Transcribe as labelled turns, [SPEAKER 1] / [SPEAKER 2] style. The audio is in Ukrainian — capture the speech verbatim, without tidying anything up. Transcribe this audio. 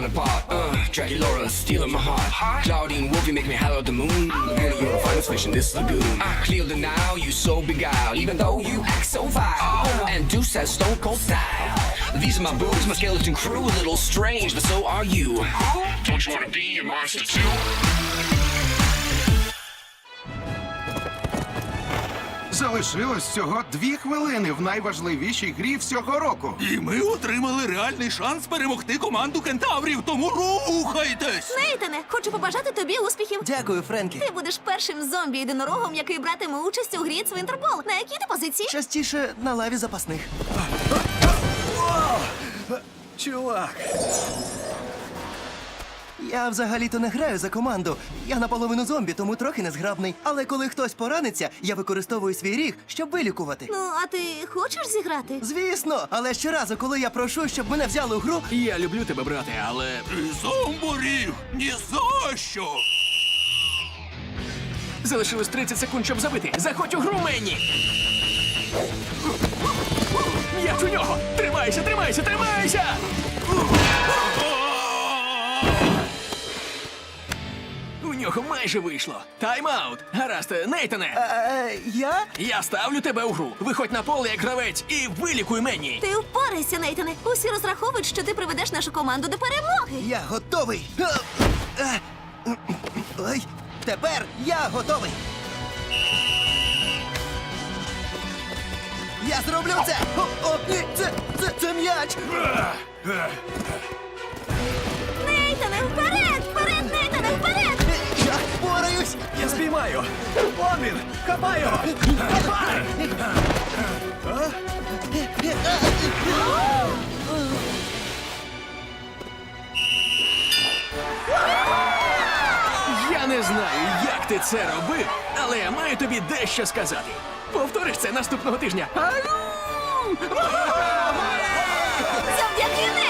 [SPEAKER 1] falling apart. Uh, Dracula stealing my heart. Claudine Wolf, you make me holler at the moon. Beauty, you're a finest fish in this lagoon. I clear the now, you so beguiled, even though you act so vile. And Deuce has stone cold style. These are my boobs, my skeleton crew, a little strange, but so are you. Don't you wanna be a monster too?
[SPEAKER 2] Залишилось всього дві хвилини в найважливішій грі всього року.
[SPEAKER 3] І ми отримали реальний шанс перемогти команду кентаврів, тому рухайтесь!
[SPEAKER 4] Нейтане, хочу побажати тобі успіхів.
[SPEAKER 5] Дякую, Френкі.
[SPEAKER 4] Ти будеш першим зомбі-єдинорогом, який братиме участь у грі Цвинтербол. На якій ти позиції?
[SPEAKER 5] Частіше на лаві запасних.
[SPEAKER 3] Чувак!
[SPEAKER 5] Я взагалі-то не граю за команду. Я наполовину зомбі, тому трохи незграбний. Але коли хтось пораниться, я використовую свій ріг, щоб вилікувати.
[SPEAKER 4] Ну, а ти хочеш зіграти?
[SPEAKER 5] Звісно, але щоразу, коли я прошу, щоб мене взяли у гру,
[SPEAKER 6] Я люблю тебе, брате, але
[SPEAKER 3] І зомборіг! Ні за що!
[SPEAKER 6] залишилось тридцять секунд, щоб забити. Заходь у гру, Менні! М'яч у нього! Тримайся, тримайся, тримайся! У нього майже вийшло. Тайм-аут. Гаразд, Нейтане.
[SPEAKER 5] е, я?
[SPEAKER 6] Я ставлю тебе у гру. Виходь на поле як гравець і вилікуй Менні.
[SPEAKER 4] Ти впорайся, Нейтане. Усі розраховують, що ти приведеш нашу команду до перемоги.
[SPEAKER 5] Я готовий. Е, е, Ой, тепер я готовий. Я зроблю це! О, о, ні, це, це, це м'яч!
[SPEAKER 4] Нейтане, вперед! Вперед, Нейтане, вперед!
[SPEAKER 5] Я впораюсь!
[SPEAKER 6] Я спіймаю. Вон він! Хапай його! Хапай! Я не знаю, як ти це робив, але я маю тобі дещо сказати. Повториш це наступного тижня. Ау!
[SPEAKER 4] Завдяки